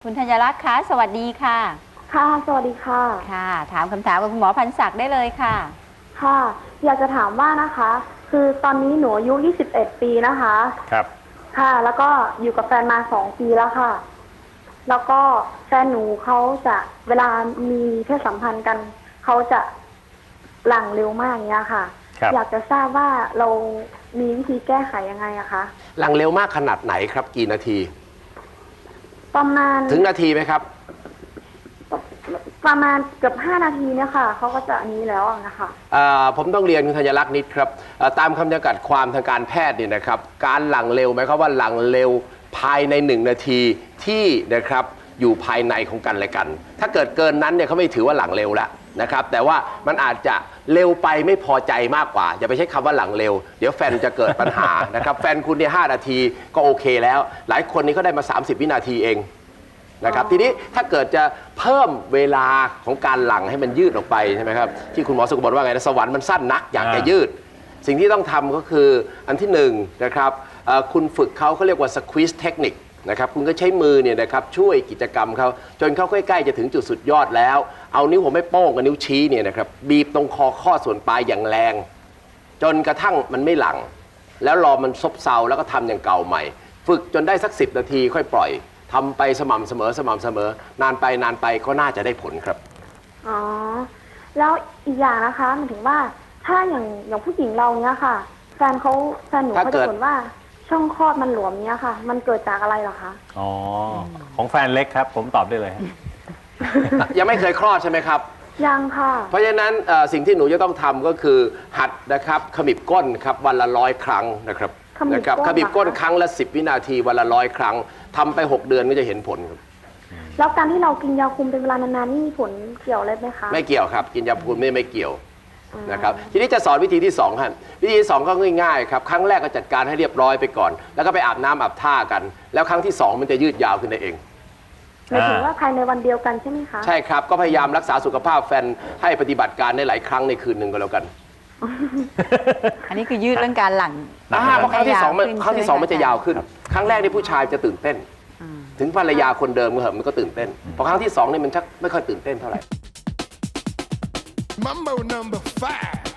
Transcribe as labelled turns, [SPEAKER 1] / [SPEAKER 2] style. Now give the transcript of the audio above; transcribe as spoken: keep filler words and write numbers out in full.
[SPEAKER 1] คุณธัญรักษ์คะสวัสดีค่ะ
[SPEAKER 2] ค่ะสวัสดีค่ะ
[SPEAKER 1] ค่ะถามคำถามกับคุณหมอพันศักดิ์ได้เลยค่ะ
[SPEAKER 2] ค่ะอยากจะถามว่านะคะ คือตอนนี้หนูอายุยี่สิบเอ็ดปีนะคะ
[SPEAKER 3] ครับ
[SPEAKER 2] ค่ะแล้วก็อยู่กับแฟนมาสองปีแล้วค่ะแล้วก็แฟนหนูเขาจะเวลามีเพศสัมพันธ์กันเขาจะหลั่งเร็วมากอย่างเงี้ยค่ะอยากจะทราบว่าเรามีวิธีแก้ไขยังไงอะคะ
[SPEAKER 4] หลังเร็วมากขนาดไหนครับกี่นาที
[SPEAKER 2] ประมาณ
[SPEAKER 4] ถึงนาทีไหมครับ
[SPEAKER 2] ประมาณเกือบห้านาทีเนี่ยค่ะเขาก็จะอันนี้แล้วนะคะ
[SPEAKER 4] ผมต้องเรียนคุณธัญลักษณ์นิดครับตามคำจำกัดความทางการแพทย์เนี่ยนะครับการหลังเร็วหมายความว่าหลังเร็วภายในหนึ่งนาทีที่นะครับอยู่ภายในของกันและกัน ถ้าเกิดเกินนั้นเนี่ยเขาไม่ถือว่าหลังเร็วแล้วนะครับแต่ว่ามันอาจจะเร็วไปไม่พอใจมากกว่าอย่าไปใช้คำว่าหลังเร็วเดี๋ยวแฟนจะเกิดปัญหานะครับแฟนคุณเนี่ยห้านาทีก็โอเคแล้วหลายคนนี่เขาได้มาสามสิบวินาทีเองนะครับทีนี้ถ้าเกิดจะเพิ่มเวลาของการหลังให้มันยืดออกไปใช่ไหมครับที่คุณหมอสุขบอกว่าไงนะสวรรค์มันสั้นนักอยากจะยืดสิ่งที่ต้องทำก็คืออันที่หนึ่งนะครับคุณฝึกเขาเขาเรียกว่า squeeze technique นะครับคุณก็ใช้มือเนี่ยนะครับช่วยกิจกรรมเขาจนเขาใกล้ๆจะถึงจุดสุดยอดแล้วเอานิ้วหัวแม่โป้งกับนิ้วชี้เนี่ยนะครับบีบตรงคอข้อส่วนปลายอย่างแรงจนกระทั่งมันไม่หลังแล้วรอมันซบเซาแล้วก็ทำอย่างเก่าใหม่ฝึกจนได้สักสิบนาทีค่อยปล่อยทำไปสม่ำเสมอสม่ำเสมอนานไปนานไปก็น่าจะได้ผลครับ
[SPEAKER 2] อ๋อแล้วอีกอย่างนะคะหมายถึงว่าถ้าอย่างอย่างผู้หญิงเราเนี้ยค่ะแฟนเขาแฟนหนูเขาจะบ่นว่าช่องคลอดมันหลวมเนี้ยค่ะมันเกิดจากอะไรเหรอคะ
[SPEAKER 3] อ๋อของแฟนเล็กครับผมตอบได้เลย
[SPEAKER 4] ยังไม่เคยคลอดใช่ไหมครับ
[SPEAKER 2] ยังค่ะ
[SPEAKER 4] เพราะฉะนั้นสิ่งที่หนูจะต้องทำก็คือหัดนะครับขมิบก้นครับวันละร้อยครั้งนะครับนะครับขมิบก้นครั้งละสิบวินาทีวันละร้อยครั้งทำไปหกเดือนก็จะเห็นผลครับ
[SPEAKER 2] แล้วการที่เรากินยาคุมเป็นเวลานานๆนี่มีผลเกี่ยวอะไรไหมคะ
[SPEAKER 4] ไม่เกี่ยวครับกินยาคุมไม่ไม่เกี่ยวนะครับทีนี้จะสอนวิธีที่สองครับวิธีที่สองก็ง่ายๆครับครั้งแรกก็จัดการให้เรียบร้อยไปก่อนแล้วก็ไปอาบน้ำอาบท่ากันแล้วครั้งที่สองมันจะยืดยาวขึ้นได้เอง
[SPEAKER 2] หมายถึงว่าภายในวันเดียวกันใช่ไหมคะ
[SPEAKER 4] ใช่ครับก็พยายามรักษาสุขภาพแฟนให้ปฏิบัติการในหลายครั้งในคืนหนึ่งก็แล้วกัน
[SPEAKER 1] อันนี้คือยืดเรื่องการหลัง
[SPEAKER 4] เพราะครั้งที่สองครั้งที่สองมันจะยาวขึ้นครั้งแรกที่ผู้ชายจะตื่นเต้นถึงภรรยาคนเดิมก็เหอะมันก็ตื่นเต้นพอครั้งที่สองนี่มันชักไม่ค่อยตื่นเต้นเท่าไหร่ Mambo number five